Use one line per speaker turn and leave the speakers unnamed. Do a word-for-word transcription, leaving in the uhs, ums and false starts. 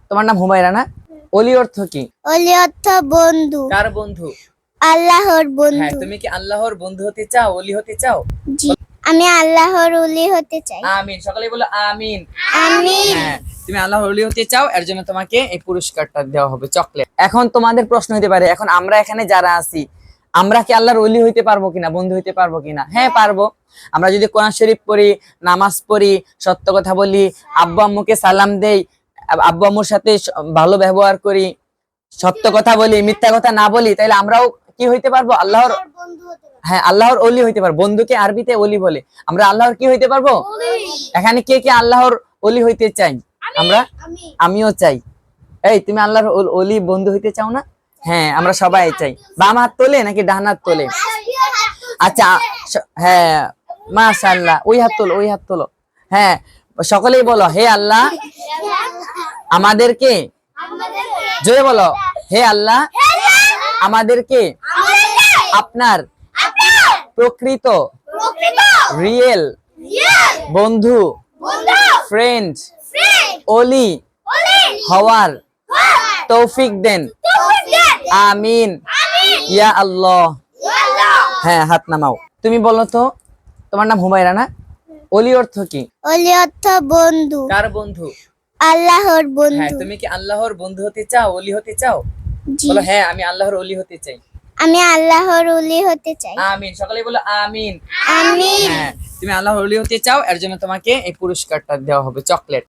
তোমার নাম হুমায়রা না? অলি অর্থ কি?
অলি অর্থ বন্ধু।
কার বন্ধু?
আল্লাহর
হ্যাঁ,
বন্ধু।
তুমি কি আল্লাহর বন্ধু হতে চাও, অলি হতে চাও?
জি, আমি আল্লাহর ওলি হতে চাই।
আমিন, সকালে বলো আমিন।
আমিন।
হ্যাঁ, তুমি আল্লাহর ওলি হতে চাও, এর জন্য তোমাকে এই পুরস্কারটা দেওয়া হবে, চকলেট। এখন তোমাদের প্রশ্ন হতে পারে, এখন আমরা এখানে যারা আছি, আমরা কি আল্লাহর ওলি হইতে পারবো কিনা, বন্ধু হইতে পারবো কিনা? হ্যাঁ, পারবো। আমরা যদি কোরআন শরীফ পড়ি, নামাজ পড়ি, সত্য কথা বলি, আব্বু আম্মুকে সালাম দেই, আব্বু আম্মুর সাথে ভালো ব্যবহার করি, সত্য কথা বলি, মিথ্যা কথা না বলি, তাহলে আমরাও কি হইতে পারবো? আল্লাহর
বন্ধু হতে পারি।
হ্যাঁ, আল্লাহর ওলি হইতে পারবো। বন্ধুকে আরবিতে ওলি বলে। আমরা আল্লাহর কি হইতে পারবো? এখানে কে কে আল্লাহর ওলি হইতে চাই? আমরা, আমিও চাই। এই, তুমি আল্লাহর ওল- ওলি বন্ধু হইতে চাও না? হ্যাঁ, আমরা সবাই চাই। বাম হাত তোলে নাকি ডান হাত তোলে? আচ্ছা, স- হ্যাঁ, মাশাআল্লাহ, ওই হাত তোলো, ওই হাত তোলো। হ্যাঁ, সকলেই বলো, হে আল্লাহ আমাদেরকে, জোরে বলো, হে আল্লাহ আমাদেরকে আপনার প্রকৃত রিয়েল বন্ধু, ফ্রেন্ড, ওলি হওয়ার তৌফিক দেন, আমিন ইয়া আল্লাহ। হ্যাঁ, হাত নামাও। তুমি বলো তো, তোমার নাম হুমায়রা না? অলি অর্থ কি?
অলি অর্থ বন্ধু।
কার বন্ধু?
আল্লাহর
হ্যাঁ,
বন্ধু।
তুমি কি আল্লাহর বন্ধু হতে চাও, অলি হতে চাও?
জি,
বলো, হ্যাঁ, আমি আল্লাহর অলি হতে চাই।
আমি আল্লাহর ওলি হতে চাই।
আমিন, সকালে বলো আমিন।
আমিন।
হ্যাঁ, তুমি আল্লাহর ওলি হতে চাও, এর জন্য তোমাকে এই পুরস্কারটা দেওয়া হবে, চকলেট।